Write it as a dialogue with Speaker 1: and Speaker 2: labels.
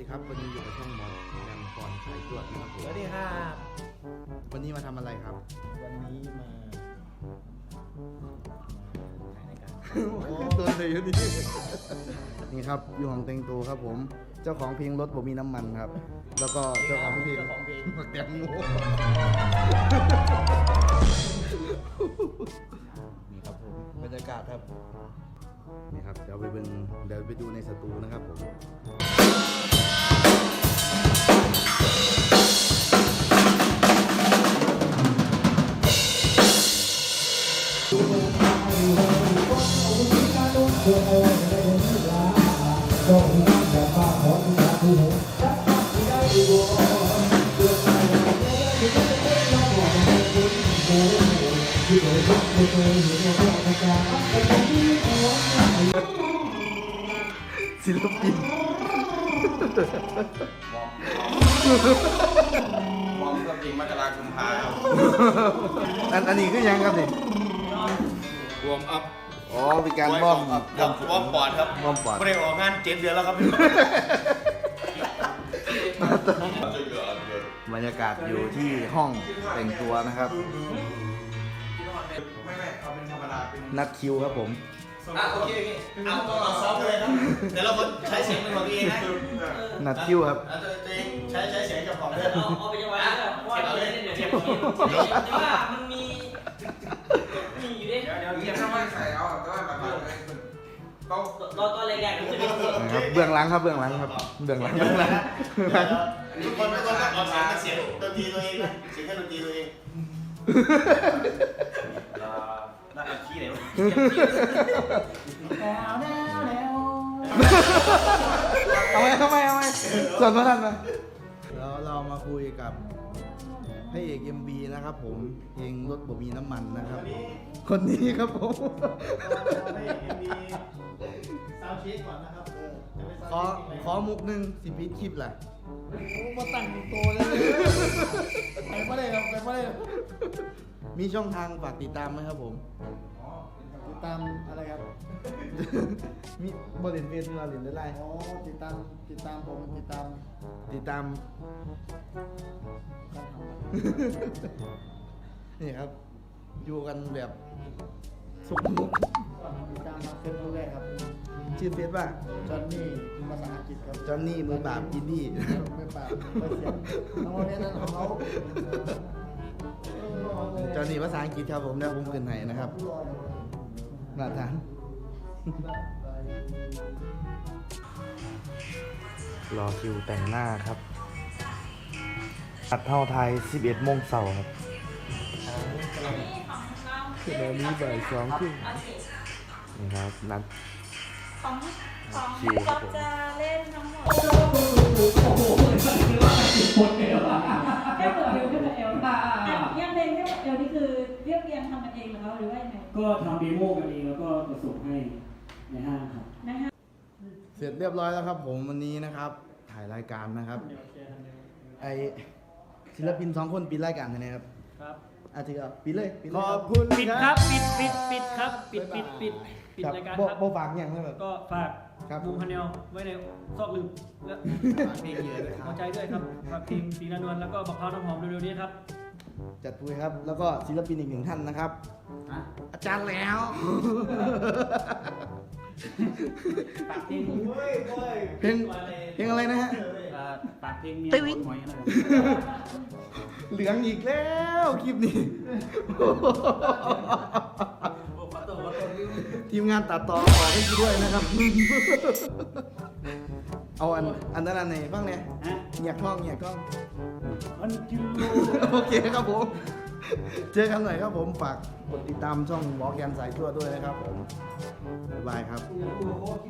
Speaker 1: ดีครับวันนี้อยู่กับช่องหมอยังก่อนสายตรวจนะครับผม
Speaker 2: สวัสดีครับ
Speaker 1: วันนี้มาทำอะไรครับ
Speaker 2: วันนี้มาถ่ายรายการ
Speaker 1: ตัวเลยอยู่นี่นี่ครับอยู่ของเต็งตูครับผมเจ้าของเพลงรถผมมีน้ำมันครับ แล้วก็เจ้าของเพลงผักแตงโมนี่ครับผมบรรยากาศครับนี่ครับเดี๋ยวไปดูในสตูนะครับผมศิลปิน
Speaker 3: วอร์มกับจริงมกราคมพาครับ
Speaker 1: อันนี้คือยังครับนี่
Speaker 3: วอร์มอัพ
Speaker 1: อ๋อเป็นการวอร์ม
Speaker 3: ครับวอร์มปอดครับ
Speaker 1: วอร์มปอด
Speaker 3: ไม่ได้ออกงาน7 เดือนแล้วครับ
Speaker 1: บรรยากาศอยู่ที่ห้องแต่งตัวนะครับ
Speaker 3: ไม่เอาเป็นธรรมดาเป็น
Speaker 1: นัดคิวครับผม
Speaker 3: โอเคเอาเราซ้อมเลยครับแต่ละคนใช้เสียงเป็นของตัวเองนะ
Speaker 1: นัดคิวครับ
Speaker 3: ตัวเองใช้เสียงกับของเดิม
Speaker 4: เอาไปยังไงว่าเราเล่นเดี๋ยวแต่ว่ามันมีอยู่ดิ
Speaker 3: เดี๋ยวเก็บน้ำมันใส่เอาแต่ว่าแบบต้อง
Speaker 4: ตอนแรกๆมันจะมี
Speaker 1: นะครับเบื้องหลังครับเบื้องหลังครับเบื้องหลัง
Speaker 3: ทุกคนต้องออกเสียงดนตรีตัวเองนะเสียงแค่ดนตรีตัวเองน่าจะขี้ไหนวะ
Speaker 1: เอาไหมส่วนพระท่านมาแล้วเรามาคุยกับพระเอก MV นะครับผมเพลงรถบ่มีน้ำมันนะครับ คนนี้ครับผม
Speaker 2: ซาวด์เช็คก่อนนะครับ
Speaker 1: ขอมุกหนึ่งสิพีคลิปแหละ
Speaker 2: มาตั้งโตเลยไปไม่ได้ครับไปไม่ได้
Speaker 1: มีช่องทางฝากติดตามไหมครับผม
Speaker 2: ติดตามอะไรครับ
Speaker 1: มีบริเวณเฟซบุ๊กหรือไลน์
Speaker 2: อ๋อติดตามผมติดตาม
Speaker 1: ติดตาม
Speaker 2: การทำ
Speaker 1: นี่ครับ อยู่กันแบบสุขมุก
Speaker 2: ติดตามมาเฟซบุ๊กแรกครับ
Speaker 1: ชื่อเฟซว่า
Speaker 2: จอห์นนี่ภาษาอังกฤษครับ
Speaker 1: จอห์นนี่มือปราบอินดี้
Speaker 2: ไม่ปากไม่เสียงน้องเนี่ยนั่นของเขา
Speaker 1: จอห์นนี่ภาษาอังกฤษครับผมเดี๋ยวผมขึ้นให้นะครับมาทานรอคิวแต่งหน้าครับอัดเท่าไทย 11 โมงเสาร์ครับคือตอนนี้บ่าย2 ครึ่งนี่ครับนัด
Speaker 4: ของก็จะเล่นทั้งหมดแค่เปิดเอวแค่เปิดเอวยังเพลงแค่เปิดเอวนี่คือเรียบเรียงทำกันเองหรือหรือว่ายังไง
Speaker 5: ก็ทำเดโมกันเองแล้วก็จะส่งให้ในห้างครับ
Speaker 4: นะคะ
Speaker 1: เสร็จเรียบร้อยแล้วครับผมวันนี้นะครับ ถ่ายรายการนะครับ ไอศิลปิน2 คนปิดรายการเลยนะครับ
Speaker 5: ครับ
Speaker 1: อาทิตย์ปิดเลยปิด
Speaker 2: ข
Speaker 1: เลย
Speaker 2: อบคุณ
Speaker 5: ปิดครับปิดครับปิดรายการครับ
Speaker 1: โบฝากอย่างนั้นแบบ
Speaker 5: ก็ฝาก
Speaker 1: ครับ
Speaker 5: บูมพาเนลไว้ในซอกลืมและ
Speaker 1: เพลงเยอะเลยค
Speaker 5: หั
Speaker 1: รั
Speaker 5: ว
Speaker 1: บ
Speaker 5: ใจด้วยครับฝากเพลงสีนานวลแล้วก็บักพร้าวน้ำหอมเร็วๆนี้ครับ
Speaker 1: จัดปุยครับ แล้วก็ศิลปินอีก 1 ท่านนะครับ อาจารย์แล้ว
Speaker 5: ฝากเพลง
Speaker 1: เพลงอะไรนะฮะ
Speaker 5: ฝากเพลงเมียหอยอะไร
Speaker 1: เหลืองอีกแล้วคลิปนี้ ทีมงานตัดต่อขอให้กูด้วยนะครับ เอาอันนั้นอันไหนบ้างเนี่ย
Speaker 5: ฮะ
Speaker 1: เหยียกกล้อง
Speaker 5: อันจู
Speaker 1: โอเคครับผม เจอกันหน่อยครับผมฝากกดติดตามช่องวอล์กแกนสายทั่วด้วยนะครับผม บ๊ายบายครับ